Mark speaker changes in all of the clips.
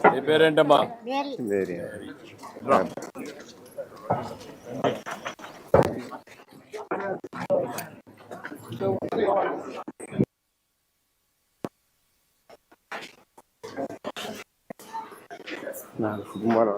Speaker 1: నీ పేరేంటమ్మా?
Speaker 2: వేరే నాకు కుమారం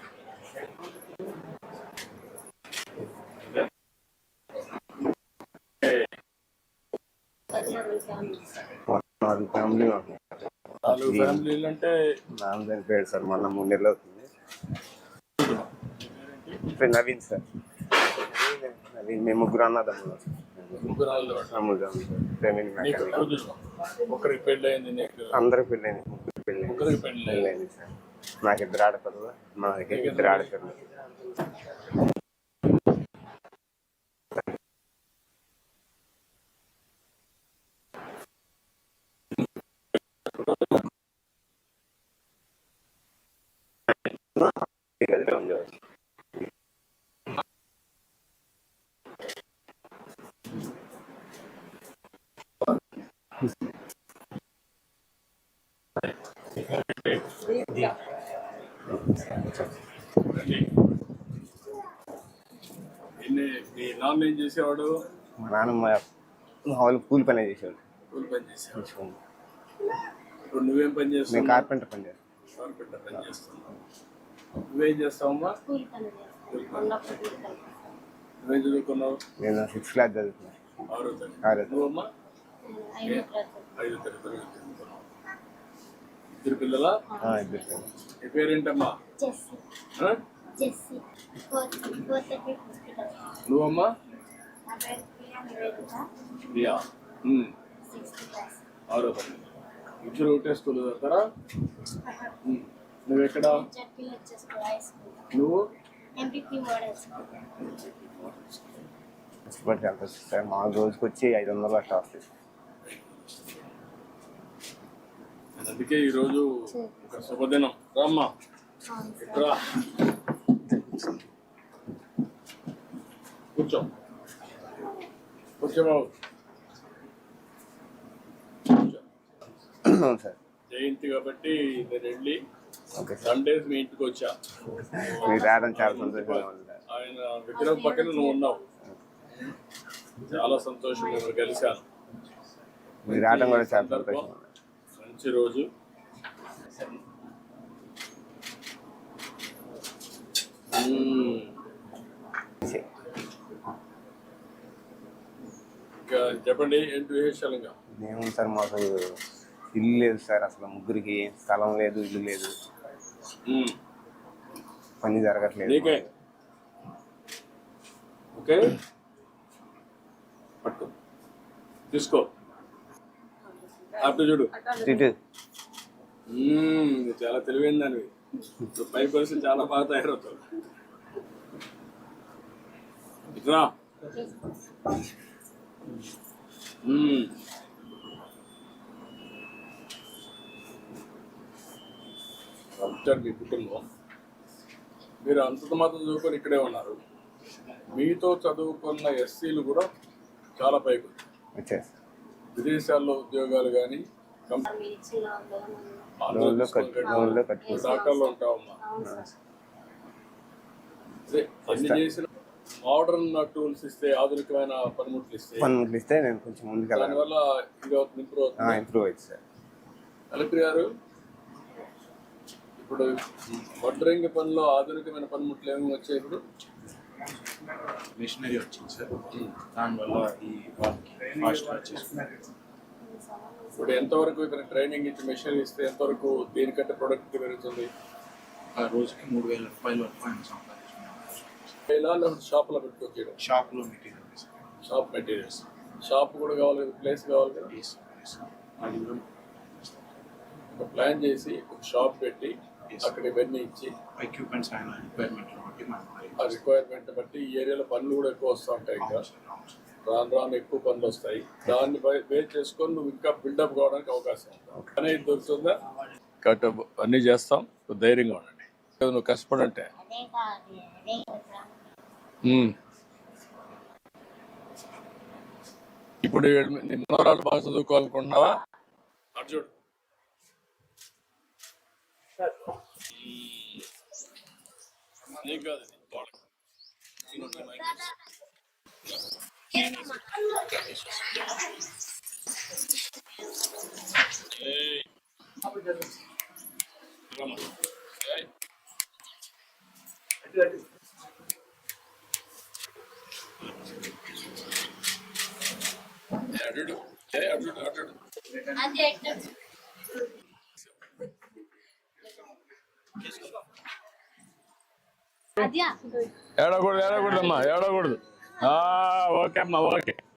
Speaker 2: ఫ్యామిలీ
Speaker 1: ఫ్యామిలీలు అంటే
Speaker 2: నాన్న చనిపోయాడు సార్, మొన్న 3 నెలలు అవుతుంది. నవీన్ సార్, నవీన్. మేము ముగ్గురు అన్నదమ్ములు.
Speaker 1: ఒకరికి పెళ్ళి అయింది,
Speaker 2: అందరికి పెళ్ళైంది. ముగ్గురికి పెళ్ళైంది సార్. నాకు 2 ఆడపిల్లలు, మాకు 2 ఆడపిల్లలు.
Speaker 1: మీ నాన్న ఏం చేసేవాడు?
Speaker 2: మా నాన్నమ్మ మామూలు కూలి పని చేసేవాడు.
Speaker 1: కూలి పని చేసేవాడు. ఇప్పుడు నువ్వేం పని చేస్తావు?
Speaker 2: నేను కార్పెంటర్ పని చేస్తాను.
Speaker 1: కార్పెంటర్ పని చేస్తున్నావు. నువ్వేం చేస్తావమ్మా? నువ్వేం చదువుకున్నావు?
Speaker 2: నేను 6th క్లాస్ చదువుతున్నాను.
Speaker 1: 6వ తరగతి. నువ్వమ్మా? 5వ తరగతి చదువుకున్నావు. 2 పిల్లలా?
Speaker 2: 2 పిల్లలు.
Speaker 1: నీ పేరేంటమ్మా? నువ్వమ్మా? 6వ తరగతి. ఇద్దరు ఒకటే స్కూల్ చదువుతారా? నువ్వెక్కడ? నువ్వు?
Speaker 2: కష్టపడి సార్, మా రోజుకి వచ్చి 500 అట్లా వస్తాయి.
Speaker 1: అందుకే ఈరోజు ఒక శుభదినం. రామ్మా, రా, కూర్చో, కూర్చోబాబు.
Speaker 2: సార్
Speaker 1: జయంతి కాబట్టి నేను వెళ్ళి సండేస్ మీ ఇంటికి వచ్చా.
Speaker 2: మీరు రావడం చాలా సంతోషంగా ఉంది.
Speaker 1: ఆయన విగ్రహం పక్కన నువ్వు ఉన్నావు, చాలా సంతోషం. నేను కలిశాను.
Speaker 2: మీరు రావడం కూడా చాలా సంతోషం.
Speaker 1: మంచి రోజు. ఇంకా చెప్పండి, ఏంటి విశేషాలు? ఇంకా
Speaker 2: ఏముంది సార్, మాకు ఇల్లు లేదు సార్, అసలు ముగ్గురికి స్థలం లేదు, ఇల్లు లేదు, పని జరగట్లేదు.
Speaker 1: ఓకే, పట్టు, తీసుకో, అటు చూడు. చాలా తెలివైన దానివి. 5% చాలా బాగా తయారవుతావు. ఇట్రా. మీ కుటుంబం మీరు అంత మాత్రం చదువుకొని ఇక్కడే ఉన్నారు. మీతో చదువుకున్న ఎస్సీలు కూడా చాలా పైకి వచ్చారు. విదేశాల్లో ఉద్యోగాలు కానీ డాక్టర్లు ఉంటావమ్మా. అన్ని చేసిన మోడర్న్ టూల్స్ ఇస్తే, ఆధునికమైన పనిముట్లు
Speaker 2: ఇస్తే నేను కొంచెం ముందుకు
Speaker 1: దానివల్ల ఇంప్రూవ్
Speaker 2: అవుతుంది సార్.
Speaker 1: కలెక్టర్ గారు, ఇప్పుడు వడ్రంగి పనిలో ఆధునికమైన పనిముట్లు ఏమేమి వచ్చాయి? ఇప్పుడు
Speaker 3: మిషనరీ వచ్చింది సార్, దానివల్ల ఈ ఫాస్ట్గా వచ్చేస్తున్నారు.
Speaker 1: ఇప్పుడు ఎంతవరకు ఇక్కడ ట్రైనింగ్ ఇచ్చి మెషినరీ ఇస్తే ఎంతవరకు దీనికంటే ప్రొడక్టివిటీ పెరుగుతుంది?
Speaker 3: రోజుకి 3,000 రూపాయల వరకు ఆయన
Speaker 1: సంపాదించుకున్నాం. షాప్లో పెట్టుకొచ్చేయడం.
Speaker 3: షాప్లో మెటీరియల్స్,
Speaker 1: షాప్ మెటీరియల్స్. షాప్ కూడా కావాలి కదా, ప్లేస్ కావాలి కదా. ఒక ప్లాన్ చేసి ఒక షాప్ పెట్టి అక్కడ ఇవన్నీ ఇచ్చి
Speaker 3: ఎక్విప్మెంట్స్ ఆయన
Speaker 1: రిక్వైర్మెంట్ బట్టి ఈ ఏరియాలో పనులు కూడా ఎక్కువ వస్తూ ఉంటాయి. ఇంకా రాను ఎక్కువ పనులు వస్తాయి. దాన్ని బేస్ చేసుకొని నువ్వు ఇంకా బిల్డప్ కావడానికి అవకాశం ఉంటుంది. అనేది దొరుకుతుందా? కట్ అన్నీ చేస్తాం, ధైర్యంగా ఉండండి. నువ్వు కష్టపడంటే ఇప్పుడు నీ మనవరాలు బాగా చదువుకోవాలనుకుంటున్నావా? అటు చూడు, నీకు కాదు ఇది, వాళ్ళకి. ఇదిగో నీ మైక్ వేసుకో. ఏయ్. రమ్మా. ఏయ్. అడు అడు ఏడకూడదు ఏడకూడదమ్మా ఏడకూడదు ఓకే అమ్మా ఓకే